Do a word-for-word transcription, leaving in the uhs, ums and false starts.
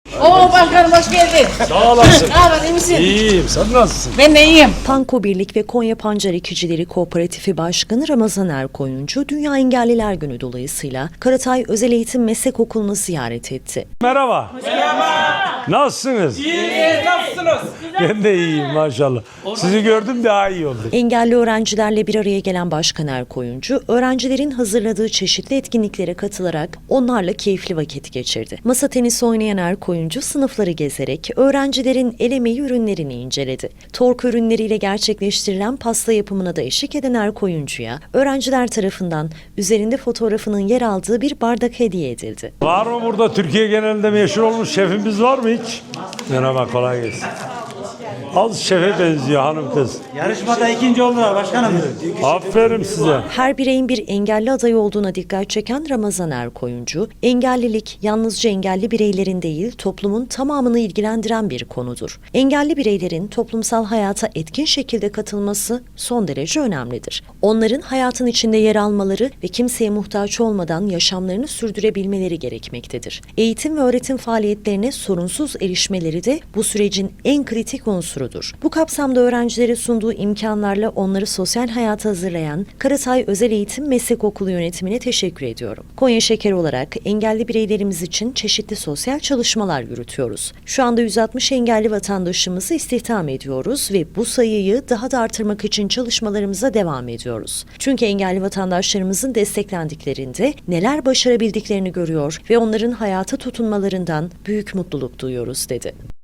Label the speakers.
Speaker 1: Oo başkanım hoş geldin.
Speaker 2: Sağ olasın.
Speaker 1: Ne haber, iyi misin?
Speaker 2: İyiyim, sen nasılsın?
Speaker 1: Ben de iyiyim.
Speaker 3: Panko Birlik ve Konya Pancar Ekicileri Kooperatifi Başkanı Ramazan Erkoyuncu, Dünya Engelliler Günü dolayısıyla Karatay Özel Eğitim Meslek Okulu'nu ziyaret etti.
Speaker 2: Merhaba. Merhaba. Nasılsınız?
Speaker 4: İyi, nasılsınız?
Speaker 2: Ben de iyiyim maşallah. Sizi gördüm daha iyi oldu.
Speaker 3: Engelli öğrencilerle bir araya gelen Başkan Erkoyuncu, öğrencilerin hazırladığı çeşitli etkinliklere katılarak onlarla keyifli vakit geçirdi. Masa tenisi oynayan Erkoyuncu sınıfları gezerek öğrencilerin el emeği ürünlerini inceledi. Tork ürünleriyle gerçekleştirilen pasta yapımına da eşlik eden Erkoyuncu'ya öğrenciler tarafından üzerinde fotoğrafının yer aldığı bir bardak hediye edildi.
Speaker 2: Var mı burada Türkiye genelinde meşhur olmuş şefimiz var mı hiç? Merhaba, kolay gelsin. Az şefe benziyor hanım kız.
Speaker 4: Yarışmada ikinci oldular başkanım.
Speaker 2: Aferin size.
Speaker 3: Her bireyin bir engelli adayı olduğuna dikkat çeken Ramazan Erkoyuncu, engellilik yalnızca engelli bireylerin değil, toplumun tamamını ilgilendiren bir konudur. Engelli bireylerin toplumsal hayata etkin şekilde katılması son derece önemlidir. Onların hayatın içinde yer almaları ve kimseye muhtaç olmadan yaşamlarını sürdürebilmeleri gerekmektedir. Eğitim ve öğretim faaliyetlerine sorunsuz erişmeleri de bu sürecin en kritik unsurudur. Bu kapsamda öğrencilere sunduğu imkanlarla onları sosyal hayata hazırlayan Karatay Özel Eğitim Meslek Okulu yönetimine teşekkür ediyorum. Konya Şeker olarak engelli bireylerimiz için çeşitli sosyal çalışmalar yürütüyoruz. Şu anda yüz altmış engelli vatandaşımızı istihdam ediyoruz ve bu sayıyı daha da artırmak için çalışmalarımıza devam ediyoruz. Çünkü engelli vatandaşlarımızın desteklendiklerinde neler başarabildiklerini görüyor ve onların hayata tutunmalarından büyük mutluluk duyuyoruz dedi.